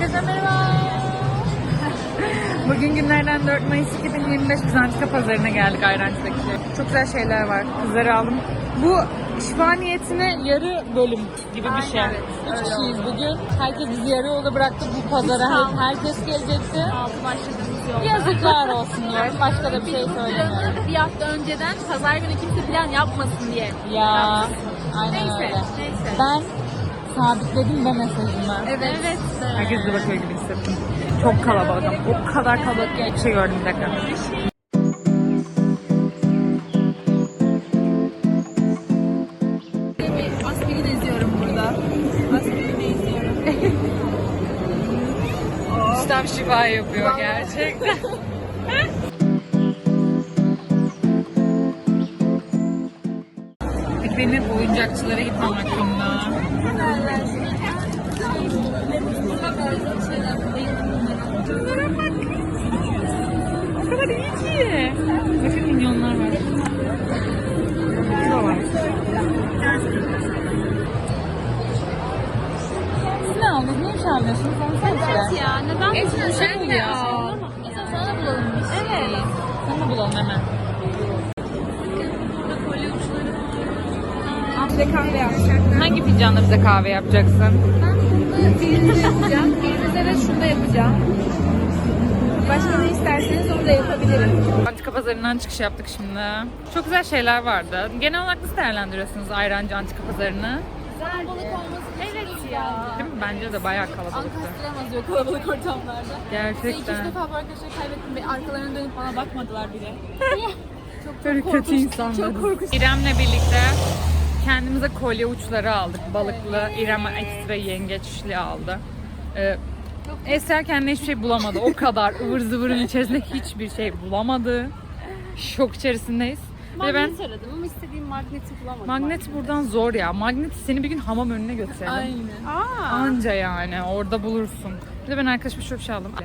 Herkese merhaba. Bugün günlerden 4 Mayıs 2025 biz Antika Pazarı'na geldik Ayrancı'daki. Çok güzel şeyler var. Kızları aldım. Bu şifa niyetine yarı bölüm gibi bir şey. Evet, 3 kişiyiz bugün. Herkes bizi yarı yolda bıraktı bu pazara. Herkes gelecekti. Altı başladığımız yolda. Yazıklar olsun diyorum. Başka da bir şey söylemiyorum. Bir hafta önceden pazar günü kimse plan yapmasın diye. Ya aynen Neyse, öyle. neyse. Ben sabitledim de mesajımı. Evet. Herkes de bakıyor gibi hissettim. Çok kalabalık ama o kadar kalabalık ki bir şey gördüm bir dakika. Aspirin eziyorum burada. Aspirin eziyorum. İşte şifa yapıyor gerçekten. Peki benim hep oyuncakçılara gitmem hakkında. O kadar iyi ki. Bakın milyonlar var. Şurada var. Siz ne aldınız? Ne iş alıyorsunuz? Onu sen söyle. Ya neden Geçen sen de ya? al. Sana da bulalım biz. Evet. Sana bulalım hemen. Bize kahve yapacak. Hangi fincanla bize kahve yapacaksın? Ben bunu birinize yapacağım. Birinize de şunu da yapacağım. Başka ne isterseniz onu da yapabilirim. Antika Pazarı'ndan çıkış yaptık şimdi. Çok güzel şeyler vardı. Genel olarak nasıl değerlendiriyorsunuz Ayrancı Antika Pazarı'nı? Kalabalık olması evet ya. Değil mi? Bence de bayağı kalabalıktı. Ankastıramaz diyor kalabalık ortamlarda. Gerçekten. İki defa bu arkadaşları kaybettim ve arkalarına dönüp bana bakmadılar bile. Böyle kötü insanlar. Çok korkunç. İrem'le birlikte kendimize kolye uçları aldık. Balıklı. İrem ekstra yengeçli aldı. Eser kendine hiçbir şey bulamadı. O kadar ıvır zıvırın içerisinde hiçbir şey bulamadı. Şok içerisindeyiz. Ve ben Magnet aradım ama istediğim magneti bulamadım. magnet buradan zor ya. Magnet seni bir gün hamam önüne götürelim. Aynen. Anca yani orada bulursun. Bir de ben arkadaşıma şöyle bir şey aldım.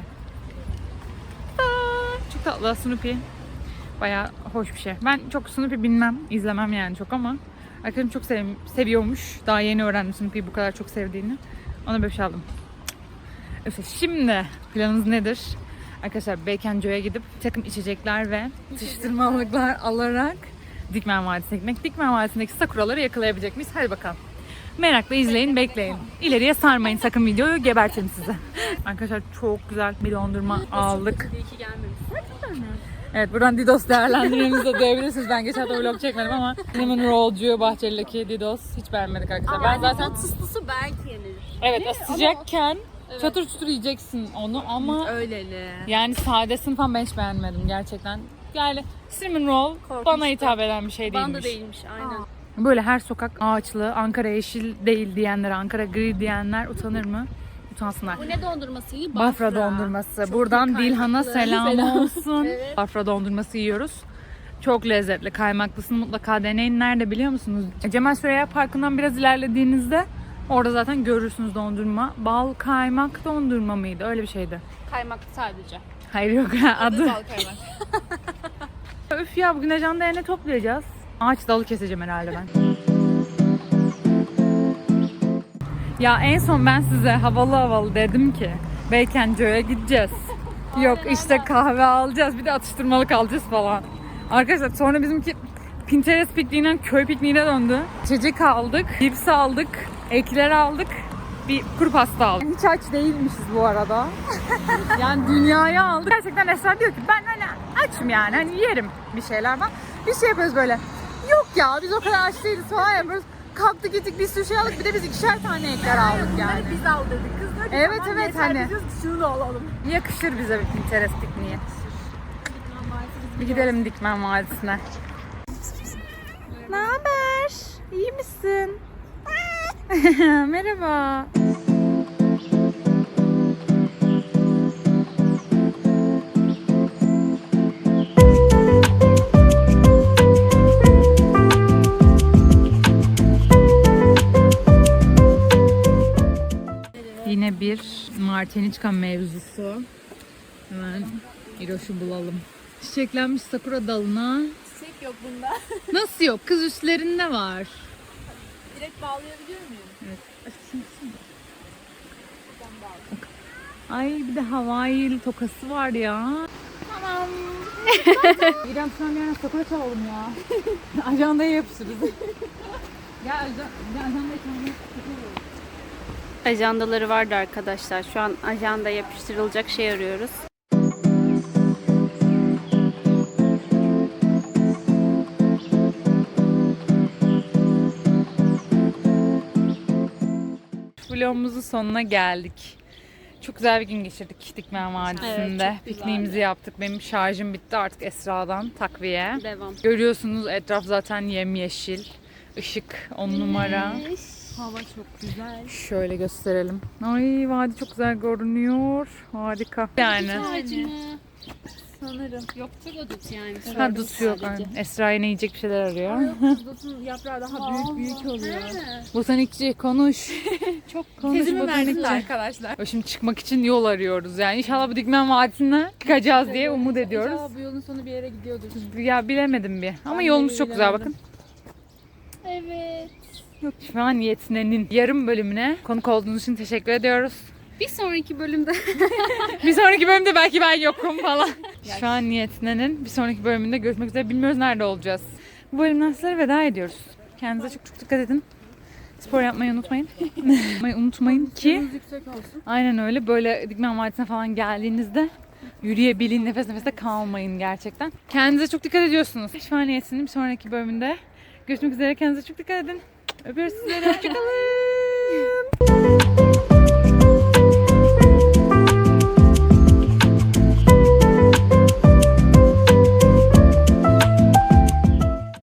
Çok tatlı Snoopy. Bayağı hoş bir şey. Ben çok Snoopy bilmem, izlemem yani çok ama arkadaşım çok seviyormuş. Daha yeni öğrendim Snoopy'yi bu kadar çok sevdiğini. Ona böyle bir şey aldım. Öf, şimdi planımız nedir? Arkadaşlar Beykenco'ya gidip bir takım içecekler ve atıştırmalıklar alarak Dikmen Vadisi'ne gitmek. Dikmen Vadisi'ndeki sakuraları yakalayabilecek miyiz? Hadi bakalım. Merakla izleyin, bekleyin. İleriye sarmayın sakın videoyu, gebertirim size. Arkadaşlar çok güzel bir dondurma aldık. İyi ki gelmemiş. Evet, buradan Didos değerlendirmenizi de duyabilirsiniz. Ben geçen hafta vlog çekmedim ama Cinnamon Roll'cu Bahçeli'deki Didos hiç beğenmedik arkadaşlar. Ben zaten Tıslısı belki yenir. evet sıcakken çatır çutur yiyeceksin onu ama Öyleli. yani sadesini falan ben hiç beğenmedim gerçekten. Yani Cinnamon Roll bana hitap eden bir şey değilmiş. Bana da değilmiş aynen. Böyle her sokak ağaçlı, Ankara yeşil değil diyenler, Ankara gri diyenler utanır mı? Utansınlar. Bu ne dondurması? Bafra dondurması. Çok Buradan iyi Dilhan'a kaymaklı. selam olsun. Evet. Bafra dondurması yiyoruz. Çok lezzetli. Kaymaklısını mutlaka deneyin. Nerede biliyor musunuz? Cemal Süreyya Parkı'ndan biraz ilerlediğinizde orada zaten görürsünüz dondurma. Bal kaymak dondurma mıydı? Öyle bir şeydi. Kaymaklı sadece. Hayır yok adı. Bal kaymak. Üf ya bugün ajanda ne toplayacağız? Ağaç dalı keseceğim herhalde ben. Ya en son ben size havalı havalı dedim ki Beykenco'ya gideceğiz. Yok işte kahve alacağız bir de atıştırmalık alacağız falan. Arkadaşlar sonra bizimki Pinterest pikniğinden köy pikniğine döndü. İçecek aldık, cips aldık, ekler aldık, bir kuru pasta aldık. Hiç aç değilmişiz bu arada. Yani dünyayı aldık. Gerçekten Esra diyor ki ben hani açım yani hani yerim bir şeyler falan. Bir şey yapıyoruz böyle. Yok ya biz o kadar aç değiliz falan yapıyoruz. Kalktık gittik bir sürü şey aldık bir de biz 2'şer tane ekler aldık yani. Biz al dedik. Kız dedi ki Evet, tamam, evet, yeter, hani. biz şunu da alalım. Yakışır bize bir Pinterest pikniği. Bir gidelim Dikmen Vadisi'ne. Ne haber? İyi misin? Merhaba. Yine bir Martiniçka mevzusu. Hemen İroş'u bulalım. Çiçeklenmiş sakura dalına. Çiçek yok bunda. Nasıl yok? Kız üstlerinde var. Direkt bağlayabiliyor muyum? Evet. Ay bir de Hawaii'li tokası var ya. Tamam. İrem şu an yarın sakura çalalım ya. Ajandaya yapışırız. Ya ajandaya kendine Ajandaları vardı arkadaşlar. Şu an ajanda yapıştırılacak şey arıyoruz. vlogumuzun sonuna geldik. Çok güzel bir gün geçirdik Dikmen Vadisi'nde. Evet, çok güzeldi. Pikniğimizi yaptık. Benim şarjım bitti artık Esra'dan takviye. Devam. Görüyorsunuz etraf zaten yemyeşil. Işık 10 numara. Hava çok güzel. Şöyle gösterelim. Ay vadi çok güzel görünüyor. Harika. Yani. Ağacı mı? Sanırım. Yoktur o dut yani. Ha dut yok. Yani. Esra yine yiyecek bir şeyler arıyor. Dutun yaprağı daha büyük oluyor. Botanikçi konuş. Çok Konuş Tezimi verdim botanikçi. arkadaşlar. Şimdi çıkmak için yol arıyoruz. Yani inşallah bu Dikmen Vadisi'ne çıkacağız diye umut ediyoruz. İnşallah bu yolun sonu bir yere gidiyordur. Ya bilemedim bir. Ama Ben de yolumuz çok güzel bilemedim. bakın. Evet. Şu an Yetne'nin yarım bölümüne konuk olduğunuz için teşekkür ediyoruz. Bir sonraki bölümde Bir sonraki bölümde belki ben yokum falan. Şu an Yetne'nin bir sonraki bölümünde görüşmek üzere. Bilmiyoruz nerede olacağız. Bu bölümden sizlere veda ediyoruz. Kendinize çok çok dikkat edin. Spor yapmayı unutmayın. Unutmayın ki Yüksek olsun. aynen öyle böyle Dikmen Vadisi'ne falan geldiğinizde yürüyebilin, nefes nefeste kalmayın gerçekten. Kendinize çok dikkat ediyorsunuz. Şu an Yetne'nin bir sonraki bölümünde görüşmek üzere. Kendinize çok dikkat edin. Öpüyoruz sizleri. Hoşçakalın.